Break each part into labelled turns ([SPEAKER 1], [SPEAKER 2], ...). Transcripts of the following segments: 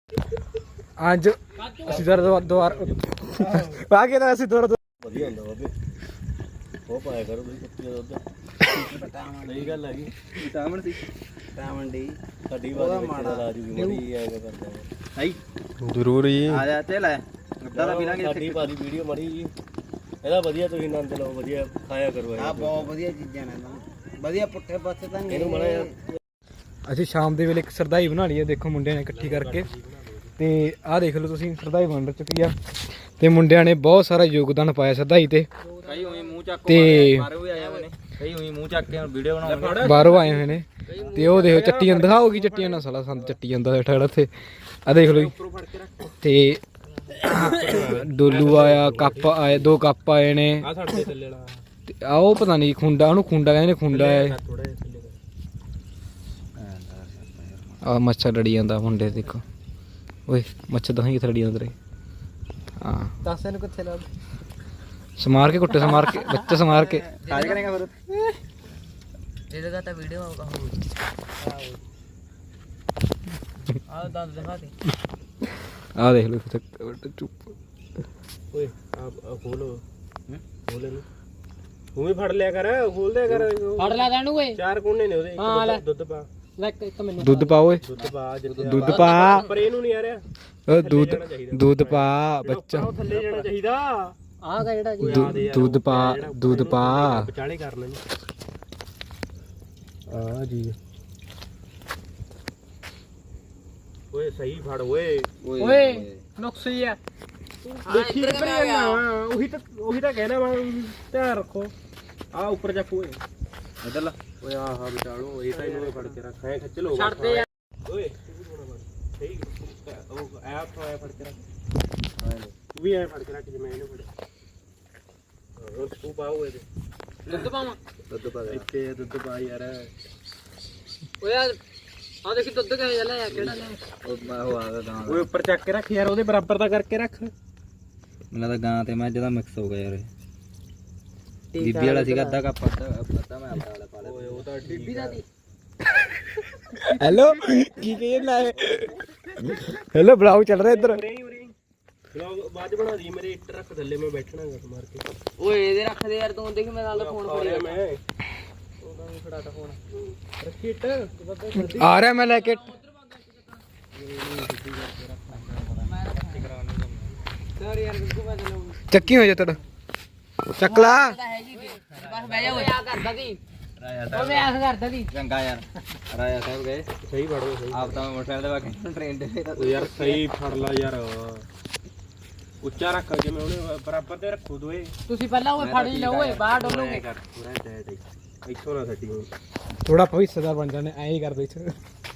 [SPEAKER 1] ਅੱਜ ਅਸੀਂ ਦੁਆਰ ਆ ਕੇ ਤਾਂ ਅਸੀਂ ਦੁਆਰ
[SPEAKER 2] ਵਧੀਆ ਹੁੰਦਾ ਬਾਬੇ ਉਹ ਪਾਇਆ ਕਰੋ ਤੁਸੀਂ ਕੁੱਤੀ ਦਾ ਦੁੱਧ ਸਹੀ ਗੱਲ ਹੈਗੀ ਵਿਟਾਮਿਨ ਸੀ ਵਿਟਾਮਿਨ ਡੀ ਸਾਡੀ ਵਾਲੀ ਮਾੜਾ ਇਲਾਜ ਵੀ ਮੜੀ ਆਏਗਾ ਕਰਦਾ ਹੈ
[SPEAKER 1] ਜ਼ਰੂਰ ਜੀ
[SPEAKER 2] ਆ ਜਾ ਤੇ ਲੈ ਅੱਧਾ ਤਾਂ ਪੀਲਾਂਗੇ ਸਾਡੀ ਭਾਰੀ ਵੀਡੀਓ ਮੜੀ ਜੀ ਇਹਦਾ ਵਧੀਆ ਤੁਸੀਂ ਆਨੰਦ ਲਓ ਵਧੀਆ ਖਾਇਆ ਕਰੋ ਆ ਬਹੁਤ ਵਧੀਆ ਚੀਜ਼ਾਂ ਨੇ ਵਧੀਆ ਪੁੱਠੇ ਪਾਸੇ ਤਾਂ ਇਹਨੂੰ ਮੜਾ
[SPEAKER 1] ਅਸੀਂ ਸ਼ਾਮ ਦੇ ਵੇਲੇ ਇੱਕ ਸਰਦਾਈ ਬਣਾ ਲਈ ਹੈ ਦੇਖੋ ਮੁੰਡਿਆਂ ਨੇ ਇਕੱਠੀ ਕਰਕੇ ਤੇ ਆਹ ਦੇਖ ਲਓ ਤੁਸੀਂ ਸਰਦਾਈ ਬਣ ਚੁੱਕੀ ਆ ਤੇ ਮੁੰਡਿਆਂ ਨੇ ਬਹੁਤ ਸਾਰਾ ਯੋਗਦਾਨ ਪਾਇਆ ਸਰਦਾਈ ਤੇ
[SPEAKER 2] ਕਈ ਉਹੀ ਮੂੰਹ ਚੱਕ
[SPEAKER 1] ਤੇ
[SPEAKER 2] ਬਾਹਰੋਂ ਵੀ ਆਏ ਹੋਏ ਨੇ ਕਈ ਉਹੀ ਮੂੰਹ ਚੱਕ ਕੇ ਵੀਡੀਓ ਬਣਾਉਂਦੇ
[SPEAKER 1] ਬਾਹਰੋਂ ਆਏ ਹੋਏ ਨੇ ਤੇ ਉਹ ਦੇਖੋ ਚੱਟੀਆਂ ਦਿਖਾਓਗੀ ਚੱਟੀਆਂ ਨਾਲ ਸਾਲਾ ਸੰਦ ਚੱਟੀ ਜਾਂਦਾ ਬੈਠਾ ਇੱਥੇ ਆ ਦੇਖ ਲਓ ਜੀ ਤੇ ਡੋਲੂ ਆਇਆ ਕੱਪ ਆਏ 2 ਕੱਪ ਆਏ ਨੇ
[SPEAKER 2] ਆ ਸਾਡੇ ਥੱਲੇ ਵਾਲਾ
[SPEAKER 1] ਤੇ ਆ ਉਹ ਪਤਾ ਨਹੀਂ ਖੁੰਡਾ ਉਹਨੂੰ ਖੁੰਡਾ ਕਹਿੰਦੇ ਨੇ ਖੁੰਡਾ ਹੈ ਆ ਮੱਛਰ ਲੜੀ ਜਾਂਦਾ ਮੁੰਡੇ ਦੇਖੋ ਓਏ ਮੱਛਰ ਦਹਾਂ ਕਿੱਥੇ ਲੜੀ ਜਾਂਦਾ ਰੇ ਹਾਂ
[SPEAKER 2] ਦੱਸ ਇਹਨੂੰ ਕਿੱਥੇ ਲਾ
[SPEAKER 1] ਸਮਾਰ ਕੇ ਕੁੱਟੇ ਸਮਾਰ ਕੇ ਬੱਚੇ ਸਮਾਰ ਕੇ
[SPEAKER 2] ਕਾਜ ਕਰੇਗਾ ਫਿਰ ਇਹਦੇ ਦਾ ਤਾਂ ਵੀਡੀਓ ਆਊਗਾ ਆ ਦੰਦ ਦਿਖਾ ਦੇ
[SPEAKER 1] ਆ ਦੇਖ ਲਓ ਚੁੱਪ
[SPEAKER 2] ਓਏ ਆ ਖੋਲੋ ਖੋਲੇ ਨੂੰ ਤੂੰ ਵੀ ਫੜ ਲਿਆ ਕਰ ਖੋਲ ਦਿਆ ਕਰ
[SPEAKER 3] ਫੜ ਲੈ ਤੈਨੂੰ ਓਏ
[SPEAKER 2] 4 ਕੋਨੇ ਨੇ ਉਹਦੇ ਇੱਕ ਦੁੱਧ ਪਾ
[SPEAKER 3] ਲੈ ਇੱਕ ਮੈਨੂੰ
[SPEAKER 1] ਦੁੱਧ ਪਾ ਓਏ
[SPEAKER 2] ਦੁੱਧ ਪਾ ਜਿੱਥੇ
[SPEAKER 1] ਦੁੱਧ ਪਾ
[SPEAKER 2] ਪਰ ਇਹਨੂੰ ਨਹੀਂ ਆ ਰਿਹਾ
[SPEAKER 1] ਦੁੱਧ ਪਾ ਬੱਚਾ
[SPEAKER 2] ਉਹ ਥੱਲੇ ਜਾਣਾ ਚਾਹੀਦਾ
[SPEAKER 3] ਆਹ ਗਾ ਜਿਹੜਾ ਜੀ
[SPEAKER 1] ਦੁੱਧ ਪਾ
[SPEAKER 2] ਵਿਚਾਲੇ ਕਰ ਲੈਣੀ ਆ ਜੀ ਓਏ ਸਹੀ ਫੜ ਓਏ
[SPEAKER 3] ਓਏ ਨੁਕਸੀ ਆ
[SPEAKER 2] ਦੇਖੀ ਕਿੱਧਰ ਜਾਣਾ ਉਹੀ ਤਾਂ ਕਹਿਣਾ ਵਾ ਧਿਆਨ ਰੱਖੋ ਆ ਉੱਪਰ ਚੱਕ ਓਏ ਇਧਰ ਲਾ ਓਏ ਆਹ ਵਿਚਾਲੋ ਇਹ ਤਾਂ ਇਹਨੂੰ ਫੜ ਕੇ ਰੱਖ ਐ ਖਿੱਚ ਲਓ
[SPEAKER 3] ਛੱਡ ਦੇ ਯਾਰ
[SPEAKER 2] ਓਏ ਸਹੀ ਉਹ ਐਪ ਤੋਂ ਫੜ ਕੇ ਰੱਖ ਤੂੰ ਵੀ ਐ ਫੜ ਕੇ ਰੱਖ ਜਿਵੇਂ ਇਹਨੂੰ ਫੜਿਆ ਉਹ ਤੂੰ ਪਾਓ ਇਹਦੇ
[SPEAKER 3] ਦੁੱਧ ਪਾਵਾਂ
[SPEAKER 2] ਦੁੱਧ ਪਾ ਇੱਥੇ ਦੁੱਧ ਪਾ ਯਾਰ
[SPEAKER 3] ਓਏ ਆ ਦੇਖੀ ਦੁੱਧ ਕਿਵੇਂ ਲੈ ਆ ਕਿਹੜਾ ਲੈ
[SPEAKER 2] ਉਹ ਆ ਗਿਆ ਗਾਂ ਓਏ ਉੱਪਰ ਚੱਕ ਕੇ ਰੱਖ ਯਾਰ ਉਹਦੇ ਬਰਾਬਰ ਦਾ ਕਰਕੇ ਰੱਖ ਮੈਨੂੰ ਤਾਂ ਗਾਂ ਤੇ ਮੈਂ ਜਿਹਦਾ ਮਿਕਸ ਹੋ ਗਿਆ ਯਾਰ ਬੀਬੀ ਵਾਲਾ ਸੀਗਾ ਅੱਧਾ ਕੱਪ ਅੱਧਾ ਮੈਂ ਆਪਣਾ ਵਾਲਾ ਪਾ ਲਿਆ ਓਏ ਉਹ ਤਾਂ
[SPEAKER 3] ਬੀਬੀ ਦਾ ਦੀ
[SPEAKER 1] ਹੈਲੋ ਕੀ ਕਹਿੰਦਾ ਹੈ ਹੈਲੋ ਬਲਾਉ ਚੱਲ ਰਿਹਾ ਇੱਧਰ
[SPEAKER 2] ਵਲੌਗ ਬਾਅਦ ਬਣਾ ਦੀ ਮੇਰੇ ਇੱਟ ਰੱਖ ਥੱਲੇ ਮੈਂ ਬੈਠਣਾ ਗੱਟ ਮਾਰ ਕੇ
[SPEAKER 3] ਓਏ ਇਹਦੇ ਰੱਖ ਦੇ ਯਾਰ ਤੂੰ ਦੇਖ ਮੈਂ ਨਾਲ ਫੋਨ ਫੜੀ
[SPEAKER 2] ਮੈਂ ਉਹਦਾ ਵੀ ਫੜਾਤਾ ਫੋਨ ਰੱਖੀ ਇੱਟ
[SPEAKER 1] ਆ ਰਿਹਾ ਮੈਂ ਲੈ ਕੇ
[SPEAKER 3] ਸਰ ਯਾਰ ਬਿਲਕੁਲ ਮੈਂ ਚਲਾਉਂ
[SPEAKER 1] ਚੱਕੀ ਹੋ ਜਾ ਤੜ ਚੱਕ ਲਾ
[SPEAKER 3] ਹੈ ਜੀ ਬਸ ਬਹਿ ਜਾ ਓਏ ਆ ਕਰਦਾ ਦੀ ਓ ਮੈਂ ਆਖ ਕਰਦਾ ਦੀ
[SPEAKER 2] ਚੰਗਾ ਯਾਰ ਰਾਜਾ ਸਾਹਿਬ ਗਏ ਸਹੀ ਫੜੋ ਸਹੀ ਆਪ ਤਾਂ ਮੋਟਰਸਾਈਕਲ ਦੇ ਬਾਕੀ ਟ੍ਰੇਨ ਤੇ ਯਾਰ ਸਹੀ ਫੜ ਲਾ ਯਾਰ ਉੱਚਾ ਰੱਖ ਜਿਵੇਂ ਉਹਨੇ ਬਰਾਬਰ ਤੇ ਰੱਖੋ ਦੋਏ
[SPEAKER 3] ਤੁਸੀਂ ਪਹਿਲਾਂ ਓਏ ਫੜ ਹੀ ਲਓ ਓਏ ਬਾਹਰ ਡੋਲੋਗੇ
[SPEAKER 2] ਪੂਰਾ ਟਾਈਟ ਇੱਥੋਂ ਨਾ ਸੱਟੀ ਹੁਣ
[SPEAKER 1] ਥੋੜਾ ਭਵਿੱਖਦਾਰ ਬਣ ਜਾਣੇ ਐਂ ਹੀ ਕਰਦੇ ਇੱਥੇ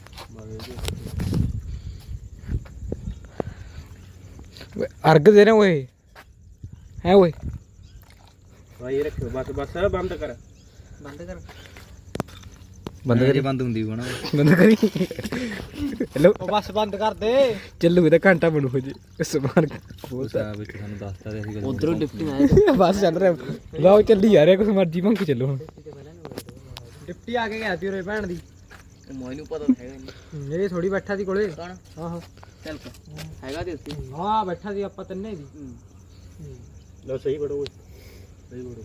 [SPEAKER 1] ਅਰਗ ਦੇ ਰਹੇ ਓਏ ਹੈ ਓਏ
[SPEAKER 2] ਭਾਈ ਰੱਖੋ ਬਸ ਬੰਦ ਕਰ
[SPEAKER 1] ਬੰਦ ਕਰੀ
[SPEAKER 2] ਬੰਦ ਹੁੰਦੀ ਹੋਣਾ
[SPEAKER 1] ਬੰਦ ਕਰੀ ਹੈਲੋ
[SPEAKER 3] ਉਹ ਬਸ ਬੰਦ ਕਰ ਦੇ
[SPEAKER 1] ਚੱਲੂ ਇਹਦਾ ਘੰਟਾ ਬਣੂ ਹੋ ਜੀ ਸਮਾਨ
[SPEAKER 2] ਸਾਹਿਬ ਵਿੱਚ ਸਾਨੂੰ ਦੱਸਤਾ ਤੇ ਅਸੀਂ
[SPEAKER 3] ਉਧਰੋਂ ਡਿਫਟੀ ਆਇਆ
[SPEAKER 1] ਬਸ ਚੱਲ ਰਿਹਾ ਲਓ ਚੱਲੀ ਜਾ ਰਿਹਾ ਕੁਛ ਮਰਜੀ ਭੰਕੀ ਚੱਲੋ ਹੁਣ
[SPEAKER 3] ਡਿਫਟੀ ਆ ਕੇ ਗਿਆ ਸੀ ਉਰੇ ਭੈਣ ਦੀ
[SPEAKER 2] ਮੈਨੂੰ ਪਤਾ ਹੈਗਾ ਨਹੀਂ
[SPEAKER 3] ਇਹ ਥੋੜੀ ਬੈਠਾ ਸੀ ਕੋਲੇ
[SPEAKER 2] ਕੌਣ
[SPEAKER 3] ਆਹੋ
[SPEAKER 2] ਚੱਲ ਹੈਗਾ ਤੇ ਉੱਥੇ
[SPEAKER 3] ਹਾਂ ਬੈਠਾ ਸੀ ਆਪਾਂ ਤਿੰਨੇ ਦੀ
[SPEAKER 2] ਲਓ ਸਹੀ ਬੜੋ ਸਹੀ ਬੜੋ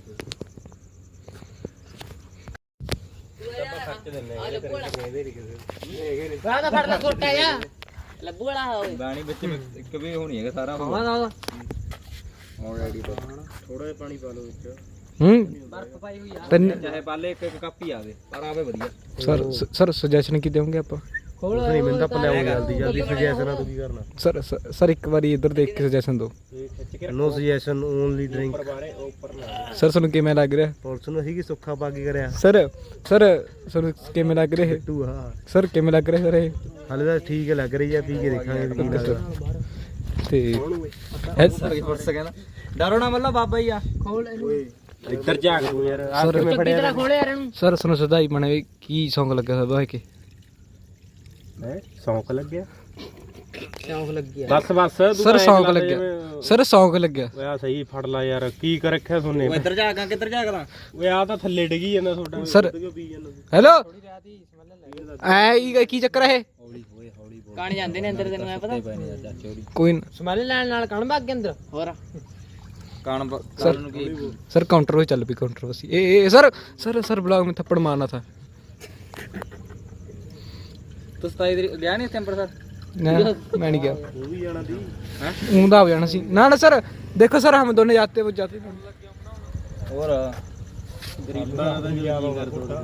[SPEAKER 3] ਬਾਹਰ ਦਾ ਫੜ ਲੈ ਛੋਟਾ ਜਿਹਾ ਲੱਭੂ ਵਾਲਾ ਹੋਵੇ
[SPEAKER 2] ਬਾਣੀ ਵਿੱਚ ਇੱਕ ਵੀ ਹੋਣੀ ਹੈਗਾ ਸਾਰਾ
[SPEAKER 3] ਹਾਂ ਨਾ
[SPEAKER 2] ਆਲਰੇਡੀ ਥੋੜਾ ਜਿਹਾ ਪਾਣੀ ਪਾ ਲਓ ਵਿੱਚ
[SPEAKER 3] ਬਰਫ ਪਾਈ ਹੋਈ ਆ
[SPEAKER 1] ਤਿੰਨ
[SPEAKER 2] ਚਾਹੇ ਪਾਲੇ ਇੱਕ ਕੱਪ ਹੀ ਆਵੇ ਪਰ ਆਵੇ ਵਧੀਆ
[SPEAKER 1] ਸਰ ਸੁਜੈਸ਼ਨ ਕੀ ਦੇਵੋਗੇ ਆਪਾਂ
[SPEAKER 3] ਖੋਲ
[SPEAKER 2] ਨਹੀਂ ਮੈਨੂੰ ਤਾਂ ਪਲਿਆਉ ਜਲਦੀ ਸੁਜੈਸ਼ਨ ਆ ਤੂੰ ਕੀ ਕਰਨਾ
[SPEAKER 1] ਸਰ ਇੱਕ ਵਾਰੀ ਇੱਧਰ ਦੇਖ ਕੇ ਸੁਜੈਸ਼ਨ ਦਿਓ
[SPEAKER 2] no suggestion only drink
[SPEAKER 1] sir ਤੁਹਾਨੂੰ ਕਿਵੇਂ ਲੱਗ ਰਿਹਾ
[SPEAKER 2] ਪੁਲਿਸ ਨੂੰ ਅਸੀਂ ਕੀ ਸੁੱਖਾ ਪਾ ਕੇ ਕਰਿਆ
[SPEAKER 1] ਸਰ ਤੁਹਾਨੂੰ ਕਿਵੇਂ ਲੱਗ ਰਿਹਾ
[SPEAKER 2] ਟੂ ਹਾਂ
[SPEAKER 1] ਸਰ ਕਿਵੇਂ ਲੱਗ ਰਿਹਾ ਸਰ ਇਹ
[SPEAKER 2] ਹਾਲੇ ਤਾਂ ਠੀਕ ਲੱਗ ਰਹੀ ਆ ਪੀ ਕੇ ਦੇਖਾਂਗੇ ਕੀ ਲੱਗਦਾ
[SPEAKER 1] ਤੇ
[SPEAKER 2] ਪੁਲਿਸ ਕਹਿੰਦਾ ਡਰੋ ਨਾ ਮੱਲਾ ਬਾਬਾ ਹੀ ਆ
[SPEAKER 3] ਖੋਲ ਇਹਨੂੰ
[SPEAKER 2] ਇੱਧਰ ਝਾਕ ਤੂੰ ਯਾਰ ਆ
[SPEAKER 1] ਸਰ
[SPEAKER 3] ਚੰਗੀ ਤਰ੍ਹਾਂ ਖੋਲੇ ਯਾਰ ਇਹਨੂੰ
[SPEAKER 1] ਸਰ ਤੁਹਾਨੂੰ ਸਦਾਈ ਬਣੇ ਕੀ ਸੌਂਗ ਲੱਗਾ ਸਰ ਬਾਈ ਕੇ
[SPEAKER 2] ਹੈ ਸੌਂਕ ਲੱਗਿਆ
[SPEAKER 3] ਸ਼ੌਂਕ ਲੱਗੀ
[SPEAKER 2] ਬਸ
[SPEAKER 1] ਸਰ ਸੌਂਗ ਲੱਗਿਆ ਸਰ ਸੌਂਗ ਲੱਗਿਆ
[SPEAKER 2] ਓਏ ਆ ਸਹੀ ਫੜ ਲਾ ਯਾਰ ਕੀ ਕਰ ਰੱਖਿਆ ਸੋਨੇ ਓਏ ਇੱਧਰ ਝਾਕਾਂ ਕਿੱਧਰ ਝਾਕਦਾ ਓਏ ਆ ਤਾਂ ਥੱਲੇ ਡਿੱਗੀ ਜਾਂਦਾ ਤੁਹਾਡਾ
[SPEAKER 1] ਸਰ
[SPEAKER 2] ਕਿਉਂ ਪੀ ਜਾਂਦਾ
[SPEAKER 1] ਹੈਲੋ ਐ ਕੀ ਚੱਕਰ ਹੈ
[SPEAKER 2] ਹੌਲੀ ਹੋਏ ਹੌਲੀ
[SPEAKER 3] ਕਾਣ ਜਾਂਦੇ ਨੇ ਅੰਦਰ ਤੈਨੂੰ ਐ ਪਤਾ
[SPEAKER 2] ਪਏ ਨੇ ਯਾਰ ਚਾਚੇ ਹੋਰੀ
[SPEAKER 1] ਕੋਈ ਨਾ
[SPEAKER 3] ਸਮੈਲ ਲੈਣ ਨਾਲ ਕਣ ਭੱਗ ਅੰਦਰ ਹੋਰ
[SPEAKER 2] ਕਾਣ ਨੂੰ ਕੀ
[SPEAKER 1] सर काउंटर पे चल भी काउंटर बस ए सर सर सर ब्लॉग में थप्पड़ मारना था
[SPEAKER 2] ਤੂੰ 27 ਤਰੀਕ ਗਿਆ ਨਹੀਂ ਅੰਮ੍ਰਿਤਸਰ
[SPEAKER 1] ना मैं नहीं गया वो भी जाना थी हैं ऊंधा हो जाना सी ना ना सर देखो सर हम दोनों जाते वो जाते
[SPEAKER 2] ਹੋਰ
[SPEAKER 4] ਗਰੀਬਾਂ ਦਾ ਗਿਆ ਕਰ ਤੋੜਾ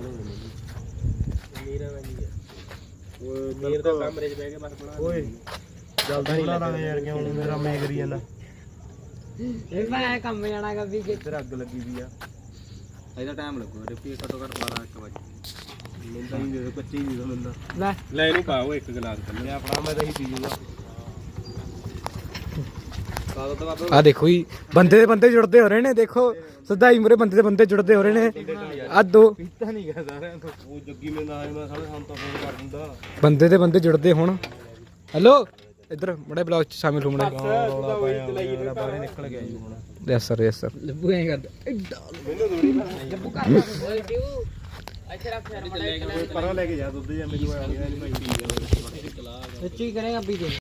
[SPEAKER 4] ਮੇਰ ਦਾ ਕਮਰੇ 'ਚ ਬਹਿ ਕੇ ਬਸ ਬਣਾ ਓਏ ਜਲਦੀ ਨਹੀਂ ਬਣਾ ਯਾਰ ਕਿਉਂ ਮੇਰਾ ਮੈਂ ਕਰੀ ਜਾਂਦਾ
[SPEAKER 3] ਇਹ ਮੈਂ ਕੰਮ ਜਾਣਾ ਗਾ ਵੀ
[SPEAKER 4] ਇੱਧਰ ਅੱਗ ਲੱਗੀ ਵੀ ਆ
[SPEAKER 2] ਇਹਦਾ ਟਾਈਮ ਲੱਗੂ ਰਿਪੀ ਘੱਟੋ ਘੱਟ 12 1 ਵਜੇ
[SPEAKER 4] ਲੈਂਦਾ ਹੀ ਦੇ ਕੱਚੀ ਹੀ ਦੇ ਦਿੰਦਾ
[SPEAKER 3] ਲੈ
[SPEAKER 4] ਲੈ ਇਹਨੂੰ ਪਾਓ ਇੱਕ ਗਲਾਸ ਕੱਲੇ ਆਪਣਾ ਮੈਂ ਤਾਂ ਹੀ ਪੀ ਜੂਗਾ
[SPEAKER 2] ਕਾਦੋਂ ਤਾਂ ਬਾਬੇ
[SPEAKER 1] आ देखो ही बंदे जुड़ते हो रहे ने देखो सदाई मुरे बंदे जुड़ते हो रहे ने आ दो
[SPEAKER 4] ਪੀਤਾ ਨਹੀਂ ਗਿਆ ਸਾਰਿਆਂ ਤੋਂ ਉਹ ਜੱਗੀ ਮੇਰੇ ਨਾਲ ਆਇਆ ਮੈਂ ਸਾਲੇ ਸਾਨੂੰ ਤਾਂ ਫੋਨ ਕਰ ਦਿੰਦਾ
[SPEAKER 1] बंदे जुड़ते होण हेलो इधर बड़े ब्लॉग च शामिल हो मड़े
[SPEAKER 4] ਰੌਲਾ ਪਾਇਆ ਮੇਰਾ ਬਾਹਰ ਨਿਕਲ ਗਿਆ ਜੀ ਹੁਣ
[SPEAKER 1] यस सर
[SPEAKER 3] ਲੱਭੂ ਐ ਕਰਦਾ
[SPEAKER 4] ਮੈਨੂੰ ਥੋੜੀ
[SPEAKER 3] ਲੱਭੂ ਕਰਦਾ ਓਏ ਡਿਊ ਇੱਥੇ ਰੱਖ ਯਾਰ
[SPEAKER 4] ਪਰਾਂ ਲੈ ਕੇ ਜਾ ਦੁੱਧ ਜਾਂ ਮੈਨੂੰ ਆ ਗਿਆ ਨਹੀਂ ਮੈਂ ਪੀ ਗਿਆ
[SPEAKER 3] ਸੱਚੀ ਕਰੇਗਾ ਪੀ ਦੇ